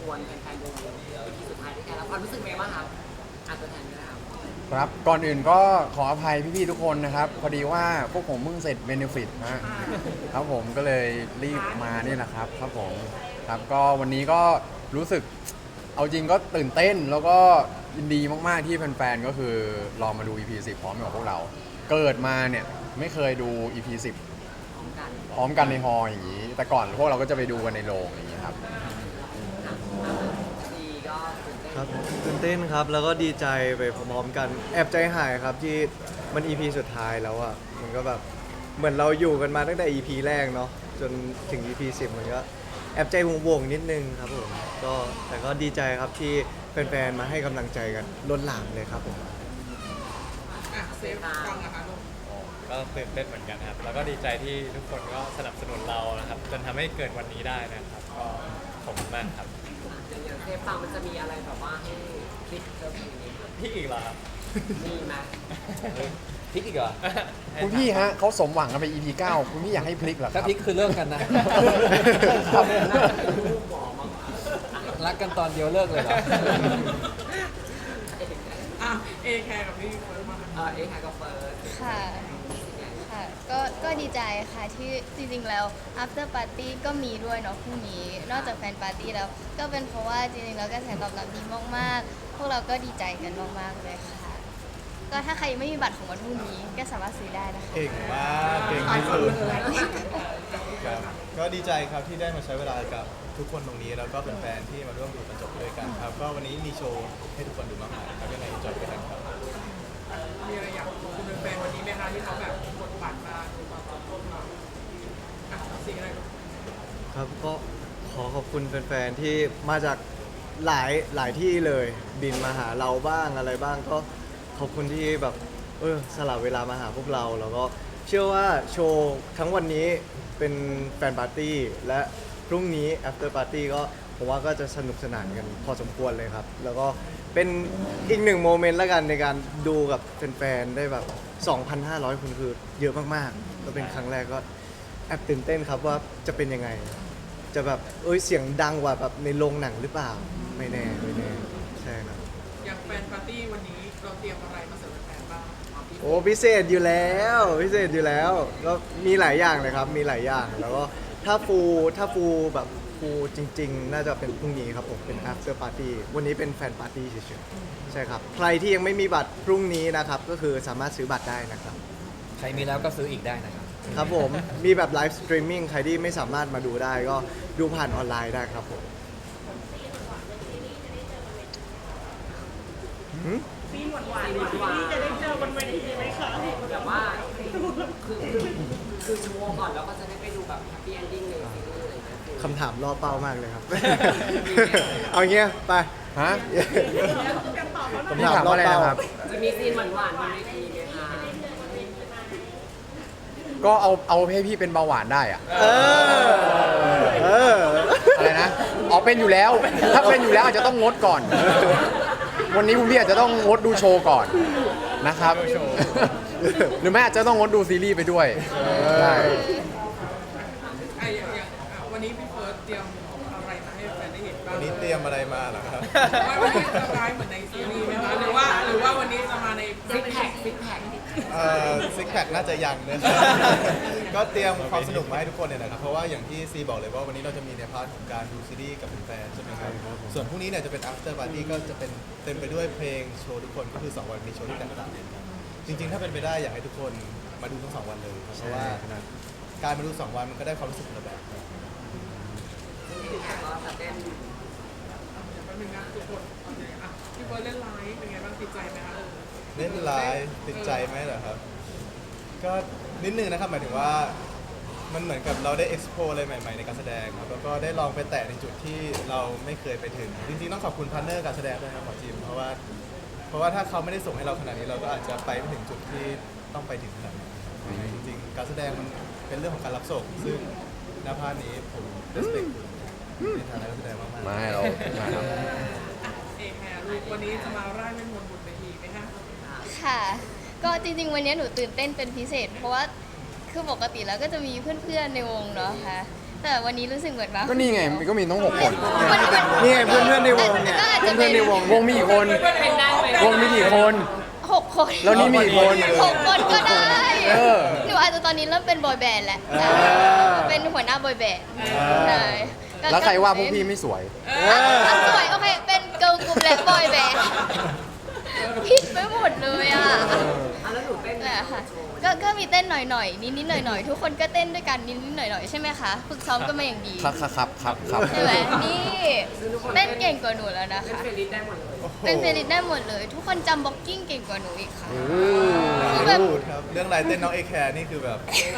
วนแฟนๆวงที่สุดท้ายด้วยกันแล้วความรู้สึกเป็นไงบ้างครับตัวแทนก็ได้ครับครับก่อนอื่นก็ขออภัยพี่ๆทุกคนนะครับพอดีว่าพวกผมเพิ่งเสร็จเบนฟิตครับผมก็เลยรีบมานี่แหละครับผมครับก็วันนี้ก็รู้สึกเอาจริงก็ตื่นเต้นแล้วก็ยินดีมากๆที่แฟนๆก็คือรอมาดู EP 10พร้อมกับพวกเราเกิดมาเนี่ยไม่เคยดู EP 10 พร้อมกันพร้อมกันในฮอลล์อย่างนี้แต่ก่อนพวกเราก็จะไปดูกันในโรงอย่างนี้ครับดีก็ตื่นเต้นครับตื่นเต้นครับแล้วก็ดีใจไปพร้อมๆกันแอบใจหายครับที่มัน EP สุดท้ายแล้วอ่ะมันก็แบบเหมือนเราอยู่กันมาตั้งแต่ EP แรกเนาะจนถึง EP 10มันก็แอบใจวงๆนิดนึงครับผมก็แต่ก็ดีใจครับที่แฟนๆมาให้กำลังใจกันล้นหลามเลยครับผมเซฟฟังนะคะลูกก็ตื่นเต้นเหมือนกันครับแล้วก็ดีใจที่ทุกคนก็สนับสนุนเรานะครับจนทำให้เกิดวันนี้ได้นะครับก็ขอบคุณมากครับอย่างเซฟฟังมันจะมีอะไรแบบว่าให้คลิปเจอเพลงนี้ครับพี่อีกเหรอครับมีไหมพลิกอีกเหรอคุณพี่ฮะเขาสมหวังกันไป EP 9คุณพี่อยากให้พลิกเหรอคถ้ารับพลิกคือเลิกกันนะครับลูกบอกมารักกันตอนเดียวเลิกเลยเหรอเอแคร์กับพี่เฟิร์สมาเอแคร์กับเฟิร์สค่ะค่ะก็ดีใจค่ะที่จริงๆแล้ว after party ก็มีด้วยเนาะพรุ่งนี้นอกจากแฟนปาร์ตี้แล้วก็เป็นเพราะว่าจริงๆแล้วกระแสตอบรับดีมากๆพวกเราก็ดีใจกันมากๆเลยค่ะก็ถ้าใครยังไม่มีบัตรของวันพรุ่งนี้ก็สามารถซื้อได้นะคะเก่งมากเก่งที่สุดครับก็ดีใจครับที่ได้มาใช้เวลากับทุกคนตรงนี้แล้วก็เป็นแฟนที่มาร่วมดูบรรจบด้วยกันครับก็วันนี้มีโชว์ให้ทุกคนดูมากมายครับยังไงจอยกันครับมีอะไรอยากขอบคุณแฟนวันนี้ไหมคะที่เขาแบบกดบัตรมาดูมาตอนต้นมาสิ่งอะไรครับก็ขอขอบคุณแฟนๆที่มาจากหลายที่เลยบินมาหาเราบ้างอะไรบ้างก็ขอบคุณที่แบบสละเวลามาหาพวกเราแล้วก็เชื่อว่าโชว์ทั้งวันนี้เป็นแฟนปาร์ตี้และพรุ่งนี้ after party ก็ผมว่าก็จะสนุกสนานกันพอสมควรเลยครับแล้วก็เป็นอีกหนึ่งโมเมนต์ละกันในการดูกับแฟนๆได้แบบ 2,500 คนคือเยอะมากๆก็เป็นครั้งแรกก็แอบตื่นเต้นครับว่าจะเป็นยังไงจะแบบเสียงดังกว่าแบบในโรงหนังหรือเปล่าไม่แน่ใช่ครับอย่างแฟนปาร์ตี้วันนี้เราเตรียมอะไรมาเสิร์ฟแฟนบ้างโอ้พิเศษอยู่แล้วก็มีหลายอย่างเลยครับมีหลายอย่างแล้วก็ถ้าฟูแบบฟูจริงๆ น่าจะเป็นพรุ่งนี้ครับผมเป็น after party วันนี้เป็นแฟนปาร์ตี้เฉยๆใช่ครับใครที่ยังไม่มีบัตรพรุ่งนี้นะครับก็คือสามารถซื้อบัตรได้นะครับใครมีแล้วก็ซื้ออีกได้นะครับครับผมมีแบบไลฟ์สตรีมมิ่งใครที่ไม่สามารถมาดูได้ก็ดูผ่านออนไลน์ได้ครับผมซีนหวานที่จะได้เจอบนเวทีไหมคะแบบว่าคือโชว์ก่อนแล้วก็จะได้ไปดูแบบแฮปปี้เอนดิ้งเลยอะไรอย่างเงี้ยคำถามล่อเป้ามากเลยครับ เอาเงี้ยไปฮะคำพี่ถามถามล่อว่าอะไรเป้านะครับจะมีซีนหวานๆบนเวทีไหมคะก็เอาให้พี่เป็นเบาหวานได้อะเอออะไรนะอ๋อเป็นอยู่แล้ว ถ้าเป็นอยู่แล้วอาจจะต้องงดก่อน วันนี้คุณพี่อาจจะต้องงดดูโชว์ก่อนนะครับ หรือไม่อาจจะต้องงดดูซีรีส์ไปด้วยใช่วันนี้พี่เฟิร์สเตรียมอะไรมาให้แฟนได้เห็นบ้างวันนี้เตรียมอะไรมาเหรอครับว่าวันนี้จะร้ายเหมือนในซีรีส์ไหมคะหรือว่าวันนี้จะมาในซิกแพคซิกแพคน่าจะยังนะ ก็เตรียมความสนุกมาให้ทุกคนเนี่ยนะครับ เพราะว่าอย่างที่ซีบอกเลยว่าวันนี้เราจะมีในพาร์ทของการดูซีรีส์กับแฟนๆใช่ไหมครับ ส่วนพรุ่งนี้เนี่ยจะเป็น after party ก็จะเป็นเต็มไปด้วยเพลงโชว์ทุกคนก็คือ 2 วันมีโชว์ที่แตกต่างกันครับจริงๆ ถ้าเป็นไปได้อยากให้ทุกคนมาดูทั้ง 2 วันเลยครับเพราะว่าการมาดู 2 วันมันก็ได้ความรู้สึกคนละแบบครับก็จะเต้นแป๊บนึงนะทุกคนพี่เฟิร์สเล่นไลฟ์เป็นไงบ้างติดใจไหมคะเล่นไลฟ์ติดใจไหมเหรอครับ ก็นิดนึงนะครับหมายถึงว่ามันเหมือนกับเราได้ explore อะไรใหม่ๆในการแสดงครับแล้วก็ได้ลองไปแตะในจุดที่เราไม่เคยไปถึงจริงๆต้องขอบคุณพาร์ทเนอร์การแสดงด้วยครับหมอจิมเพราะว่าถ้าเขาไม่ได้ส่งให้เราขนาดนี้เราก็อาจจะไปไม่ถึงจุดที่ต้องไปถึงขนาดนี้จริงๆการแสดงมันเป็นเรื่องของการรับส่งซึ่งหน้าพาร์ทนี้ผม respect คุณในฐานะนักแสดงมากๆไม่เรามาครับเอกแฮลูกวันนี้จะมาร่ายเล่นมนต์บนเวทีไหมคะค่ะก็จริงๆวันนี้หนูตื่นเต้นเป็นพิเศษ เพราะว่าคือปกติแล้วก็จะมีเพื่อนๆในวงเนาะค่ะแต่วันนี้รู้สึกเหมือนว่าก็นี่ไงมันก็มีต้อง6 คนนี่ไงเพื่อนๆในวงเนี่ยก็อาจจะเพื่อนๆในวงวงมีกี่คน วงมีกี่คน 6 คนแล้วนี่มีกี่คน 6 คนก็ได้เออหนูอาจจะตอนนี้เริ่มเป็นบอยแบนด์แล้วอเป็นหัวหน้าบอยแบนด์ใช่ก็แล้วใครว่าพวกพี่ไม่สวยอ่ะสวยโอเค เป็นเกิร์ลกรุ๊ปและบอยแบนด์ผิดไปหมดเลยอ่ะแล้วหนูเต้นแหละค่ะก็มีเต้นหน่อยๆนิดๆหน่อยๆทุกคนก็เต้นด้วยกันนิดๆหน่อยๆใช่ไหมคะฝึกซ้อมกันมาอย่างดีครับใช่ไหมนี่เต้นเก่งกว่าหนูแล้วนะคะเฟรนลิสได้หมดเลยเป็นเฟรนลิสได้หมดเลย ทุกคนจำบ็อกกิ้งเก่งกว่าหนูอีกค่ะอคือแบบพูดครับเรื่องลายเต้นน้องเอแคร์นี่คือแบบ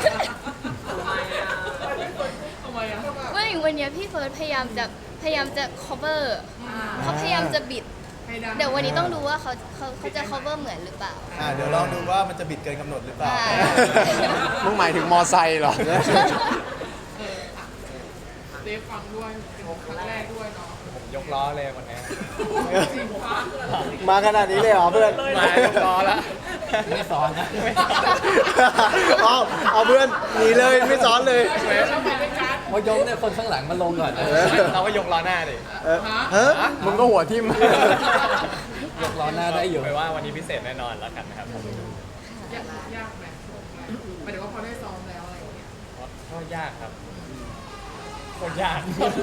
ทำไมอ่ะวันนี้พี่เฟิร์สพยายามจะ cover เขาพยายามจะบิดให้ดังเดี๋ยววันนี้ต้องดูว่าเขาจะ cover เหมือนหรือเปล่าเดี๋ยวลองดูว่ามันจะบิดเกินกำหนดหรือเปล่าใช่มึงหมายถึงมอไซค์เหรอเดฟฟังด้วยเป็นครั้งแรกด้วยเนาะผมยกล้อเลยวันนี้จริงปะมาขนาดนี้เลยเหรอเพื่อนมายกล้อแล้วไม่ซ้อนนะเอาเพื่อนหนีเลยไม่ซ้อนเลยพอยกเนี่ยคนข้างหลังมาลงก่อนนะเราก็ยกล้อหน้าดิเฮ้ยมึงก็หัวทิ่มยกล้อหน้าได้อยู่ไปว่าวันนี้พิเศษแน่นอนแล้วกันนะครับผมยากไหมหมายถึงว่าพอได้ซ้อมแล้วอะไรอย่างเงี้ยก็ยากครับโคตรยาก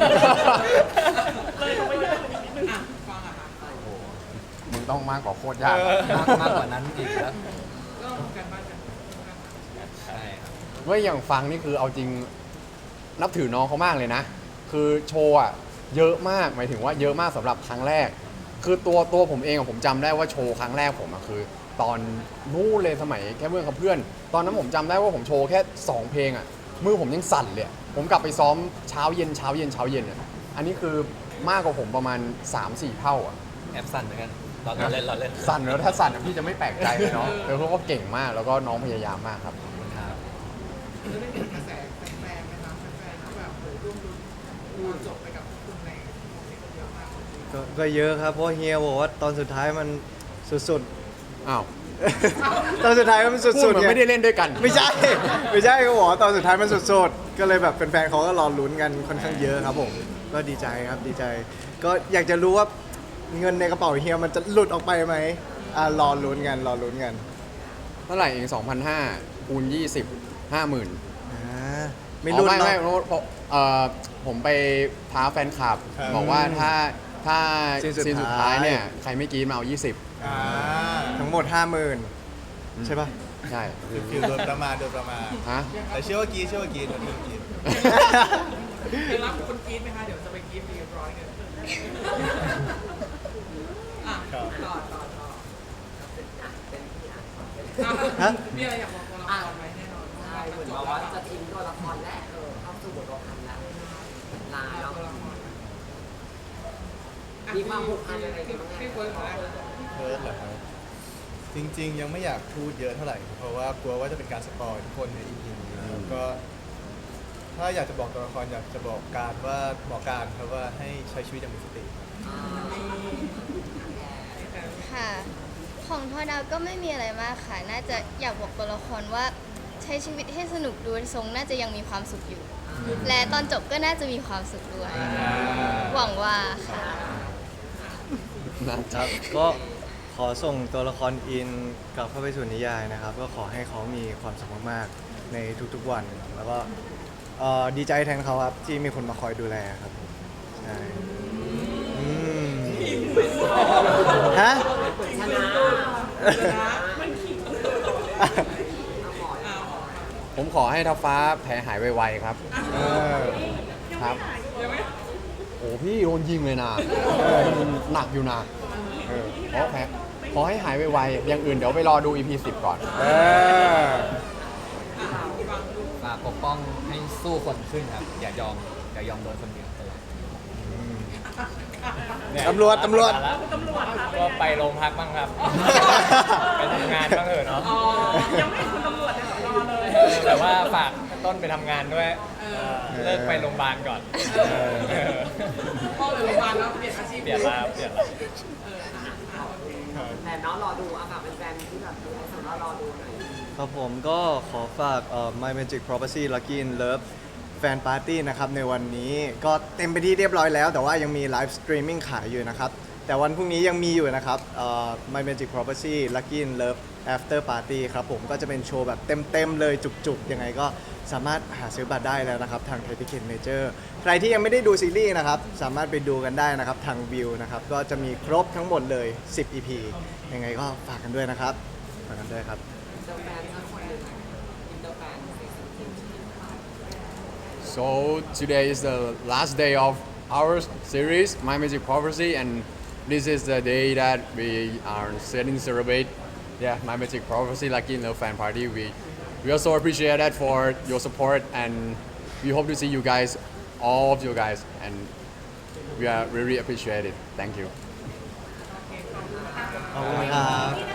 อ่ะฟังอ่ะค่ะมึงต้องมากกว่าโคตรยากมากกว่านั้นอีกแล้วก็ทำกันบ้านกันใช่ครับเมื่ออย่างฟังนี่คือเอาจริงนับถือน้องเขามากเลยนะ คือโชว์อะเยอะมากหมายถึงว่าเยอะมากสำหรับครั้งแรก คือตัวผมเองอะผมจำได้ว่าโชว์ครั้งแรกผมอะคือ ตอนนู้นเลยสมัยแค่เมื่อกับเพื่อน ตอนนั้นผมจำได้ว่าผมโชว์แค่ 2 เพลงอะมือผมยังสั่นเลยอะผมกลับไปซ้อมเช้าเย็นอะอันนี้คือมากกว่าผมประมาณ 3-4 เท่าอะแอบสั่นเหมือนกันเราเล่นสั่นแล้วถ้าสั่นอะพี่จะไม่แปลกใจเลยเนาะแต่เขาก็เก่งมากแล้วก็น้องพยายามมากครับครับแล้วได้เห็นกระแสแฟนๆไหมคะแฟนๆที่แบบร่วมรุ้นดูจบไปกับคุณในโมเมนต์เยอะมากก็เยอะครับเพราะเฮียบอกว่าตอนสุดท้ายมันสุดอ้าวๆ ตอนสุดท้ายมันพูดสุดเหมืๆอนไม่ได้เล่นด้วยกันไม่ใช่เขาบอกว่าตอนสุดท้ายมันสุดๆก็เลยแบบแฟนๆเขาก็รอลุ้นกันค่อนข้างเยอะครับผมก็ดีใจครับดีใจ ก็อยากจะรู้ว่าเงินในกระเป๋าเฮียมันจะหลุดออกไปไหมรอลุ้นกันเท่าไหร่เอง 2,500 คูณ 20 50,000 ไม่ลุ้นไม่เนาะเพราะผมไปท้าแฟนคลับครับบอกว่าถ้าซีนสุดซีนสุดท้ายท้ายเนี่ย ใครไม่กรีดมาเอาอ่าทั้งหมด 50,000 ใช่ปะ 20 ใช่คือโดนประมาณฮะแต่เชื่อว่ากีเชื่อว่ากีโดนกีจะรับคนกรี๊ดไหมคะเดี๋ยวจะไปกรี๊ดเรียบร้อยกันอ่ะต่อฮะมีอะไรอยากบอกตัวละครไหมแน่นอนใช่เหมือนแบบว่าจะทิ้งตัวละครแล้วเข้าสู่บทประพันธ์แล้วลายแล้ว มีความผูกพันอะไรกันบ้างไหมพี่เฟิร์สของแรกเพิร์ดเหรอครับจริงๆ ยังไม่อยากพูดเยอะเท่าไหร่ เพราะว่ากลัวว่าจะเป็นการสปอยทุกคนใน EP นี้แล้วก็ ถ้าอยากจะบอกตัวละครอยากจะบอกการครับว่าให้ใช้ชีวิตอย่างมีสติค่ะ ของทอดาวก็ไม่มีอะไรมากค่ะ น่าจะอยากบอกตัวละครว่าใช้ชีวิตให้สนุกดูทรงน่าจะยังมีความสุขอยู่ และตอนจบก็น่าจะมีความสุขด้วย หวังว่าค่ะครับก็ขอส่งตัวละครอินกลับเข้าไปสู่นิยายนะครับ ก็ขอให้เขามีความสุขมากๆในทุกๆวัน แล้วก็ดีใจแทนเขาครับที่มีคนมาคอยดูแลครับผมใช่อืมฮะชนะผมขอให้ทัพฟ้าแผลหายไวๆครับ ครับ โอ้พี่โดนยิงเลยนะหนักอยู่นะขอให้หายไวๆอย่างอื่นเดี๋ยวไปรอดู EP 10 ก่อนฝากปกป้องให้สู้คนขึ้นครับ อย่ายอมโดนคนเดียวตลอดตำรวจก็ไปโรงพักบ้างครับ ไปทำงานบ้างเถอะเนาะยังไม่คุณตำรวจเลยรอเลยแต่ว่าฝากต้นไปทำงานด้วย เลิกไปโรงพยาบาลก่อนพ่อเลยโรงพยาบาลแล้วเปลี่ยนอาชีพเปลี่ยนแล้วแต่น้องรอดูฝากเป็นแฟนที่แบบดูให้สำหรับรอดูหน่อยครับผมก็ขอฝากMy Magic Property Lucky in Love ฟนปาร์ตี้นะครับในวันนี้ก็เต็มไปที่เรียบร้อยแล้วแต่ว่ายังมีไลฟ์สตรีมมิ่งขายอยู่นะครับแต่วันพรุ่งนี้ยังมีอยู่นะครับMy Magic Property Lucky in Love After Party ครับผมก็จะเป็นโชว์แบบเต็มๆเลยจุกๆยังไงก็สามารถหาซื้อบัตรได้แล้วนะครับทาง Thai Ticket Major ใครที่ยังไม่ได้ดูซีรีส์นะครับสามารถไปดูกันได้นะครับทางวิวนะครับก็จะมีครบทั้งหมดเลย10 EP ยังไงก็ฝากกันด้วยนะครับฝากกันด้วยครับอินเตอร์แฟนสักคนหนึ่งอินเตอร์แฟนซีซั่นที่ So today is the last day of our series, My Magic Prophecy, and this is the day that we are setting celebrate. Yeah, My Magic Prophecy Lucky in Love Fan Party. We also appreciate that for your support, and we hope to see you guys, all of you guys, and we are really appreciate it. Thank you. ขอบคุณครับ